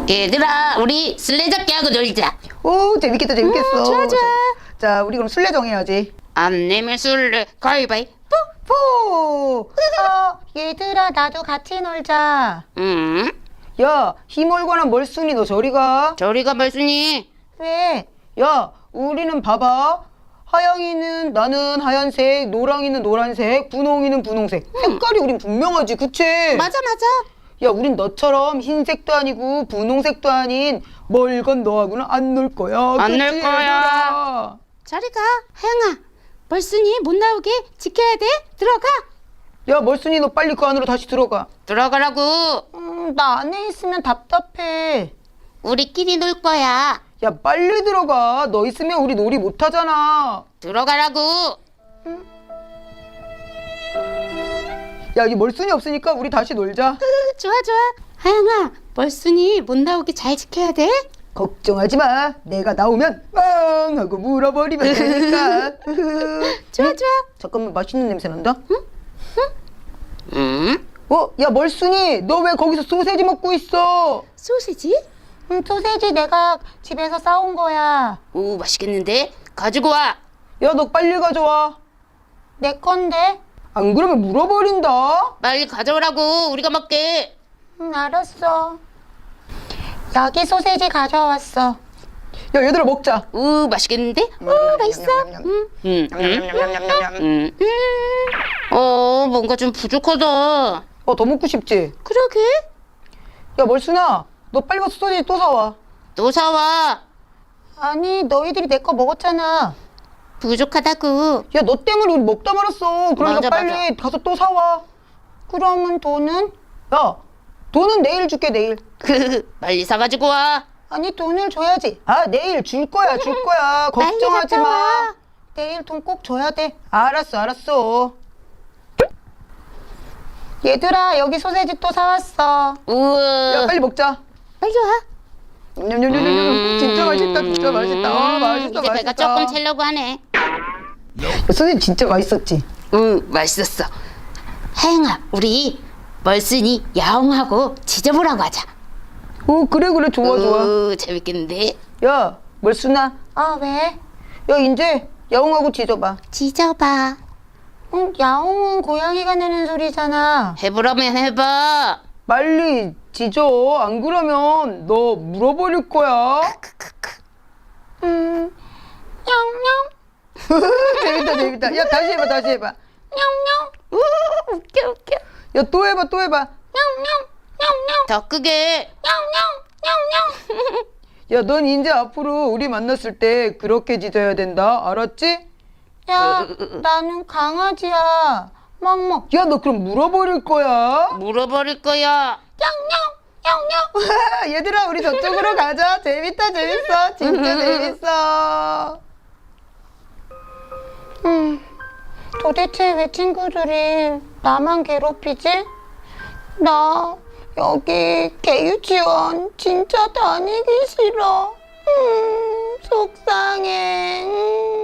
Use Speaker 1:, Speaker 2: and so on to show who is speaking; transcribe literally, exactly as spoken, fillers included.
Speaker 1: 얘들아, 우리 술래잡기 하고 놀자.
Speaker 2: 오, 재밌겠다, 재밌겠어.
Speaker 1: 음, 좋아, 좋아.
Speaker 2: 자, 우리 그럼 술래 정해야지.
Speaker 1: 안 내면 술래 가위바위보.
Speaker 2: 포! 어, 얘들아, 나도 같이 놀자.
Speaker 1: 음,
Speaker 2: 야, 힘얼거나 멀순이 너 저리 가.
Speaker 1: 저리가 말순이.
Speaker 2: 왜? 야, 우리는 봐봐. 하영이는 나는 하얀색, 노랑이는 노란색, 분홍이는 분홍색. 색깔이 우린 분명하지, 그치?
Speaker 1: 맞아, 맞아.
Speaker 2: 야, 우린 너처럼 흰색도 아니고 분홍색도 아닌 멀건 너하고는 안 놀 거야.
Speaker 1: 안 놀
Speaker 2: 그치,
Speaker 1: 거야.
Speaker 2: 얘들아?
Speaker 1: 저리가. 하영아, 벌순이 못 나오게 지켜야 돼. 들어가.
Speaker 2: 야, 멀순이 너 빨리 그 안으로 다시 들어가.
Speaker 1: 들어가라고.
Speaker 2: 음, 나 안에 있으면 답답해.
Speaker 1: 우리끼리 놀 거야.
Speaker 2: 야, 빨리 들어가. 너 있으면 우리 놀이 못 하잖아.
Speaker 1: 들어가라고.
Speaker 2: 야, 여기 멀순이 없으니까 우리 다시 놀자.
Speaker 1: 좋아, 좋아. 하영아, 벌순이 못 나오게 잘 지켜야 돼.
Speaker 2: 걱정하지 마. 내가 나오면 빵 하고 물어버리면 되니까.
Speaker 1: 좋아, 좋아.
Speaker 2: 잠깐만, 맛있는 냄새 난다.
Speaker 1: 음,
Speaker 2: 어, 야, 멀순이, 너 왜 거기서 소세지 먹고 있어?
Speaker 1: 소시지?
Speaker 2: 응, 소세지 내가 집에서 싸온 거야.
Speaker 1: 오, 맛있겠는데? 가지고 와.
Speaker 2: 야, 너 빨리 가져와. 내 건데? 안 그러면 물어버린다.
Speaker 1: 빨리 가져오라고. 우리가 먹게.
Speaker 2: 응, 알았어. 여기 소세지 가져왔어. 야, 얘들아 먹자.
Speaker 1: 오, 맛있겠는데? 오, 맛있어. 음, 음, 음, 음, 음. 어, 뭔가 좀 부족하다.
Speaker 2: 어, 더 먹고 싶지?
Speaker 1: 그러게.
Speaker 2: 야, 멀순아, 너 빨리 가서 소세지 또 사와.
Speaker 1: 또 사와.
Speaker 2: 아니, 너희들이 내 거 먹었잖아.
Speaker 1: 부족하다고.
Speaker 2: 야, 너 때문에 우리 먹다 말았어. 그러니까
Speaker 1: 맞아,
Speaker 2: 빨리
Speaker 1: 맞아.
Speaker 2: 가서 또 사와. 그러면 돈은? 야, 돈은 내일 줄게, 내일.
Speaker 1: 빨리 사가지고 와.
Speaker 2: 아니, 돈을 줘야지. 아, 내일 줄 거야, 줄 거야. 걱정하지
Speaker 1: 갔다
Speaker 2: 마.
Speaker 1: 와.
Speaker 2: 내일 돈 꼭 줘야 돼. 알았어, 알았어. 얘들아, 여기 소세지 또 사왔어.
Speaker 1: 우와.
Speaker 2: 야, 빨리 먹자.
Speaker 1: 빨리 와.
Speaker 2: 냠냠냠냠냠. 진짜 맛있다, 진짜 맛있다. 아, 맛있다,
Speaker 1: 이제 배가
Speaker 2: 맛있다.
Speaker 1: 조금 채려고 하네.
Speaker 2: 소세지 진짜 맛있었지?
Speaker 1: 응, 맛있었어. 하영아, 우리 멀순이 야옹하고 지져보라고 하자.
Speaker 2: 오, 그래, 그래. 좋아, 좋아.
Speaker 1: 오, 재밌겠는데?
Speaker 2: 야, 멀순아.
Speaker 3: 아, 왜?
Speaker 2: 야, 이제 야옹하고 지져봐.
Speaker 1: 지져봐.
Speaker 3: 응, 야옹은 고양이가 내는 소리잖아.
Speaker 1: 해보라면 해봐.
Speaker 2: 빨리 지져. 안 그러면 너 물어버릴 거야.
Speaker 3: 음, 냥냥,
Speaker 2: 재밌다, 재밌다. 야, 다시 해봐, 다시 해봐.
Speaker 3: 냥냥,
Speaker 1: 우, 웃겨, 웃겨.
Speaker 2: 야, 또 해봐, 또 해봐.
Speaker 3: 냥냥, 냥냥,
Speaker 1: 더 크게.
Speaker 3: 냥냥, 냥냥.
Speaker 2: 야, 넌 이제 앞으로 우리 만났을 때 그렇게 짖어야 된다. 알았지?
Speaker 3: 야, 나는 강아지야. 멍멍,
Speaker 2: 야, 너 그럼 물어버릴 거야.
Speaker 1: 물어버릴 거야.
Speaker 3: 냥냥, 냥냥.
Speaker 2: 얘들아, 우리 저쪽으로 가자. 재밌다, 재밌어. 진짜 재밌어.
Speaker 3: 음, 도대체 왜 친구들이 나만 괴롭히지? 나 여기 개유치원 진짜 다니기 싫어. 음, 속상해. 음.